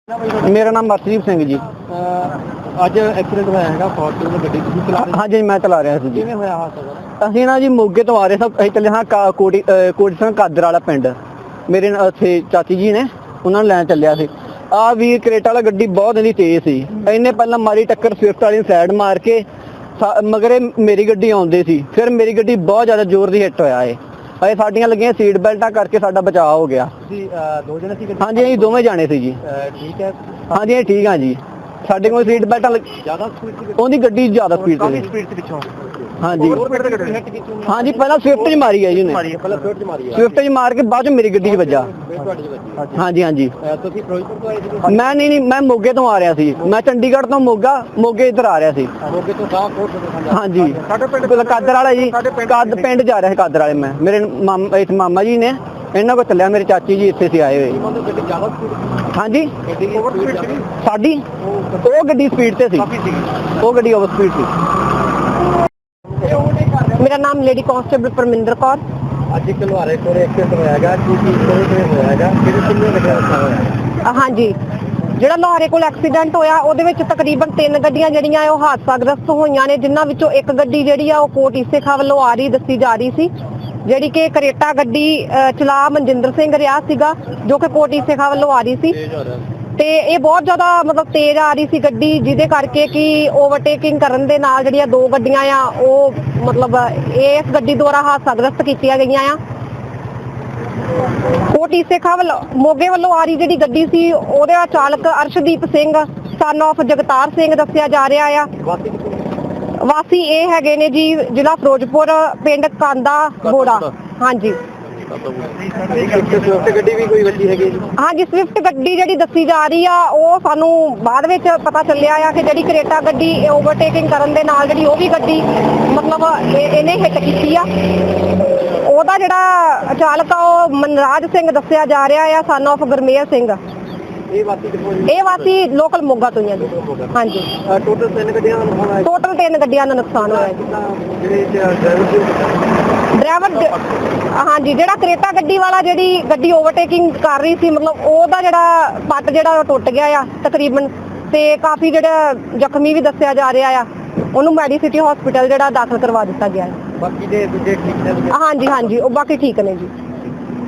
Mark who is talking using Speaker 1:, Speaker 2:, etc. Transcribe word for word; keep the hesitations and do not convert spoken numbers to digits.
Speaker 1: मेरा नाम मरसीप सिंह जी।
Speaker 2: ਅੱਜ ਐਕਸੀਡੈਂਟ ਹੋਇਆ ਹੈਗਾ ਫੋਰਚੂਨਰ ਗੱਡੀ ਤੁਸੀਂ ਚਲਾ ਰਹੇ
Speaker 1: हाँ जी मैं चला रहा ਸੀ ਜੀ।
Speaker 2: ਕਿਵੇਂ ਹੋਇਆ ਹਾਦਸਾ?
Speaker 1: ਅਸੀਂ ਨਾ ਜੀ ਮੋਗੇ ਤੋਂ ਆ ਰਹੇ ਸਭ ਅਸੀਂ ਚੱਲੇ ਹਾਂ ਕਾ- ਕੋਟੀ ਅਹ ਕੋਟੀ ਸਿੰਘ ਕਾਦਰ ਵਾਲਾ ਪਿੰਡ। ਮੇਰੇ ਨਾਲ ਉੱਥੇ ਚਾਚੀ ਜੀ ਨੇ ਉਹਨਾਂ ਨੂੰ ਲੈਣ ਚੱਲਿਆ ਸੀ। ਆ ਵੀਰ ਕਰੇਟਾ ਵਾਲਾ ਗੱਡੀ ਬਹੁਤ ਇਹਦੀ ਤੇਜ਼ ਸੀ। ਇਹਨੇ ਪਹਿਲਾਂ ਮਾਰੀ ਟੱਕਰ ਸਵਿਫਟ ਵਾਲੀ ਸਾਈਡ ਮਾਰ ਕੇ ਸਾ- ਮਗਰੇ ਮੇਰੀ ਗੱਡੀ ਆਉਂਦੀ ਸੀ। ਫਿਰ ਮੇਰੀ ਗੱਡੀ ਬਹੁਤ ਜ਼ਿਆਦਾ ਜ਼ੋਰ ਦੀ ਹਿੱਟ ਹੋਇਆ ਏ। ਇਹ ਸਾਡੀਆਂ ਲੱਗੀਆਂ ਸੀਟ ਬੈਲਟਾਂ ਕਰਕੇ ਸਾਡਾ ਬਚਾਅ ਹੋ ਗਿਆ।
Speaker 2: ਤੁਸੀਂ ਅਹ, ਦੋ ਜਣੇ ਸੀ ਗੱਡੀ?
Speaker 1: ਹਾਂਜੀ ਅਸੀਂ ਦੋਵੇਂ ਜਾਣੇ ਸੀ ਜੀ।
Speaker 2: ਅਹ, ਠੀਕ ਹੈ।
Speaker 1: ਹਾਂਜੀ ਅਸੀਂ ਠੀਕ ਹਾਂ ਜੀ। ਸਾਡੇ ਕੋਲ ਸੀਟ ਬੈਲਟਾਂ ਲੱਗ-
Speaker 2: ਜ਼ਿਆਦਾ ਸਪੀਡ ਸੀ?
Speaker 1: ਉਹਦੀ ਗੱਡੀ ਜ਼ਿਆਦਾ ਸਪੀਡ
Speaker 2: ਕਾਫੀ
Speaker 1: ਤੇ
Speaker 2: ਸਪੀਡ ਸੀ ਪਿੱਛੋਂ।
Speaker 1: ਹਾਂਜੀ
Speaker 2: ਹੋਰ ਸਪੀਡ ਤੇ ਗੱਡੀ ਹਿੱਟ ਕੀਤੀ ਉਹਨੇ?
Speaker 1: ਹਾਂਜੀ ਪਹਿਲਾਂ ਸਵਿਫਟ 'ਚ ਮਾਰੀ ਹੈ ਜੀ ਉਹਨੇ।
Speaker 2: ਮਾਰੀ ਹੈ ਪਹਿਲਾਂ ਸਵਿਫਟ 'ਚ ਮਾਰੀ ਹੈ।
Speaker 1: ਸਵਿਫਟ 'ਚ ਮਾਰ ਕੇ ਬਾਅਦ 'ਚ ਮੇਰੀ ਗੱਡੀ 'ਚ ਵੱਜਾ।
Speaker 2: ਫਿਰ ਤੁਹਾਡੀ 'ਚ ਵੱਜੀ।
Speaker 1: ਹਾਂਜੀ ਹਾਂਜੀ
Speaker 2: ਅਹ, ਤੁਸੀਂ ਫਿਰੋਜ਼ਪੁਰ ਤੋਂ ਆਏ ਸੀ?
Speaker 1: ਮੈਂ ਨਹੀਂ ਨਹੀਂ ਮੈਂ ਮੋਗੇ ਤੋਂ ਆ ਰਿਹਾ ਸੀ। ਮੈਂ ਚੰਡੀਗੜ੍ਹ ਤੋਂ ਮੋਗਾ ਮੋਗੇ ਇੱਧਰ ਆ ਰਿਹਾ ਸੀ।
Speaker 2: ਮੋਗੇ ਤੋਂ ਸਾਹ ਕੋਟ ਤੋਂ
Speaker 1: ਹਾਂਜੀ
Speaker 2: ਸਾਡੇ ਪਿੰਡ
Speaker 1: ਕਾਦਰ ਵਾਲਾ ਜੀ। ਕਾਦ ਪਿੰਡ ਜਾ ਰਿਹਾ ਸੀ ਕਾਦਰ ਵਾਲੇ ਮੈਂ। ਮੇਰੇ ਮਾਮਾ ਇਸ ਮਾਮਾ ਜੀ ਨੇ ਇਹਨਾਂ ਕੋਲ ਚੱਲਿਆ। ਮੇਰੇ ਚਾਚੀ ਜੀ ਇੱਥੇ ਸੀ ਆਏ ਹੋਏ।
Speaker 2: ਮਤਲਬ ਗੱਡੀ ਜ਼ਿਆਦਾ ਸਪੀਡ?
Speaker 1: ਹਾਂਜੀ
Speaker 2: ਗੱਡੀ ਦੀ ਓਵਰ ਸਪੀਡ ਸੀ?
Speaker 1: ਸਾਡੀ ਉਹ ਗੱਡੀ ਸਪੀਡ ਤੇ ਸੀ।
Speaker 2: ਕਾਫੀ ਸੀ।
Speaker 1: ਉਹ ਗੱਡੀ ਓਵਰ ਸਪੀਡ ਸੀ।
Speaker 3: ਮੇਰਾ ਨਾਮ ਲੇਡੀ ਕਾਂਸਟੇਬਲ ਪਰਮਿੰਦਰ ਕੌਰ।
Speaker 2: ਅੱਜ ਇੱਕ ਲੁਹਾਰੇ ਕੋਲ ਐਕਸੀਡੈਂਟ ਹੋਇਆ ਹੈਗਾ ਕੀ ਕੀ ਕਿਵੇਂ ਹੋਇਆ ਹੈਗਾ ਕਿਹੜੇ ਕਿੰਨੇ ਗੱਡੀਆਂ ਦਾ ਹੋਇਆ ਹੈਗਾ?
Speaker 3: ਅ, ਹਾਂਜੀ ਜਿਹੜਾ ਲੋਹਾਰੇ ਕੋਲ ਐਕਸੀਡੈਂਟ ਹੋਇਆ ਉਹਦੇ ਵਿੱਚ ਤਕਰੀਬਨ ਤਿੰਨ ਗੱਡੀਆਂ ਜਿਹੜੀਆਂ ਆ ਉਹ ਹਾਦਸਾਗ੍ਰਸਤ ਹੋਈਆਂ ਨੇ, ਜਿਨ੍ਹਾਂ ਵਿੱਚੋਂ ਇੱਕ ਗੱਡੀ ਜਿਹੜੀ ਆ ਉਹ ਕੋਟ ਈਸੇ ਖਾਂ ਵੱਲੋਂ ਆ ਰਹੀ ਦੱਸੀ ਜਾ ਰਹੀ ਸੀ, ਜਿਹੜੀ ਕਿ ਕਰੇਟਾ ਗੱਡੀ ਅ, ਚਲਾ ਮਨਜਿੰਦਰ ਸਿੰਘ ਰਿਹਾ ਸੀਗਾ, ਜੋ ਕਿ ਕੋਟ ਈਸੇ ਖਾਂ ਵੱਲੋਂ ਆ ਰਹੀ ਸੀ। ਤੇ ਇਹ ਬਹੁਤ ਜ਼ਿਆਦਾ ਮਤਲਬ ਤੇਜ਼ ਆ ਰਹੀ ਸੀ ਗੱਡੀ, ਜਿਹਦੇ ਕਰਕੇ ਕਿ ਓਵਰਟੇਕਿੰਗ ਕਰਨ ਦੇ ਨਾਲ ਜਿਹੜੀਆਂ ਦੋ ਗੱਡੀਆਂ ਆ ਉਹ ਮਤਲਬ ਇਸ ਗੱਡੀ ਦੁਆਰਾ ਹਾਦਸਾਗ੍ਰਸਤ ਕੀਤੀਆਂ ਗਈਆਂ ਆ। ਕੋਟ ਈਸੇ ਖਾਂ ਵੱਲੋਂ ਮੋਗੇ ਵੱਲੋਂ ਆ ਰਹੀ ਜਿਹੜੀ ਗੱਡੀ ਸੀ ਉਹਦਾ ਚਾਲਕ ਅਰਸ਼ਦੀਪ ਸਿੰਘ ਸਨ ਆਫ ਜਗਤਾਰ ਸਿੰਘ ਦੱਸਿਆ ਜਾ ਰਿਹਾ ਆ। ਵਾਸੀ ਇਹ ਹੈਗੇ ਨੇ ਜੀ ਜ਼ਿਲ੍ਹਾ ਫਿਰੋਜ਼ਪੁਰ, ਪਿੰਡ ਕਾਂਦਾ ਬੋੜਾ। ਹਾਂਜੀ
Speaker 2: ਸਵਿਫਟ ਗੱਡੀ ਵੀ ਕੋਈ ਵੱਜੀ ਹੈਗੀ?
Speaker 3: ਹਾਂਜੀ ਸਵਿਫਟ ਗੱਡੀ ਜਿਹੜੀ ਦੱਸੀ ਜਾ ਰਹੀ ਆ ਉਹ ਸਾਨੂੰ ਬਾਅਦ ਵਿੱਚ ਪਤਾ ਚੱਲਿਆ ਆ ਕਿ ਜਿਹੜੀ ਕਰੇਟਾ ਗੱਡੀ ਓਵਰਟੇਕਿੰਗ ਕਰਨ ਦੇ ਨਾਲ ਜਿਹੜੀ ਉਹ ਵੀ ਗੱਡੀ ਮਤਲਬ ਇਹ- ਇਹਨੇ ਹਿੱਟ ਕੀਤੀ ਆ। ਉਹਦਾ ਜਿਹੜਾ ਚਾਲਕ ਆ ਉਹ ਮਨਰਾਜ ਸਿੰਘ ਦੱਸਿਆ ਜਾ ਰਿਹਾ ਆ, ਸਨ ਆਫ ਗੁਰਮੇਲ ਸਿੰਘ।
Speaker 2: ਇਹ ਵਾਸੀ ਕਿੱਥੋਂ ਜੀ?
Speaker 3: ਇਹ ਵਾਸੀ ਲੋਕਲ ਮੋਗਾ ਤੋਂ ਹੀ ਆ ਜੀ। ਹਾਂਜੀ
Speaker 2: ਟੋਟਲ ਤਿੰਨ ਗੱਡੀਆਂ ਦਾ ਨੁਕਸਾਨ ਆਇਆ?
Speaker 3: ਟੋਟਲ ਤਿੰਨ ਗੱਡੀਆਂ ਦਾ ਨੁਕਸਾਨ ਹੋਇਆ ਜੀ।
Speaker 2: ਜਿਹੜੇ ਡਰਾਈਵਰ ਸੀ
Speaker 3: ਡਰਾਈਵਰ ਹਾਂਜੀ ਜਿਹੜਾ ਕਰੇਟਾ ਗੱਡੀ ਵਾਲਾ ਜਿਹੜੀ ਗੱਡੀ ਓਵਰਟੇਕਿੰਗ ਕਰ ਰਹੀ ਸੀ ਮਤਲਬ ਉਹਦਾ ਜਿਹੜਾ ਪੱਟ ਜਿਹੜਾ ਉਹ ਟੁੱਟ ਗਿਆ ਆ ਤਕਰੀਬਨ, ਤੇ ਕਾਫੀ ਜਿਹੜਾ ਜ਼ਖਮੀ ਵੀ ਦੱਸਿਆ ਜਾ ਰਿਹਾ ਆ। ਉਹਨੂੰ ਮੈਡੀਸਿਟੀ ਹਸਪੀਟਲ ਜਿਹੜਾ ਦਾਖਲ ਕਰਵਾ ਦਿੱਤਾ ਗਿਆ ਹੈ।
Speaker 2: ਬਾਕੀ ਦੇ ਦੂਜੇ ਠੀਕ ਨੇ?
Speaker 3: ਹਾਂਜੀ ਹਾਂਜੀ ਉਹ ਬਾਕੀ ਠੀਕ ਨੇ ਜੀ।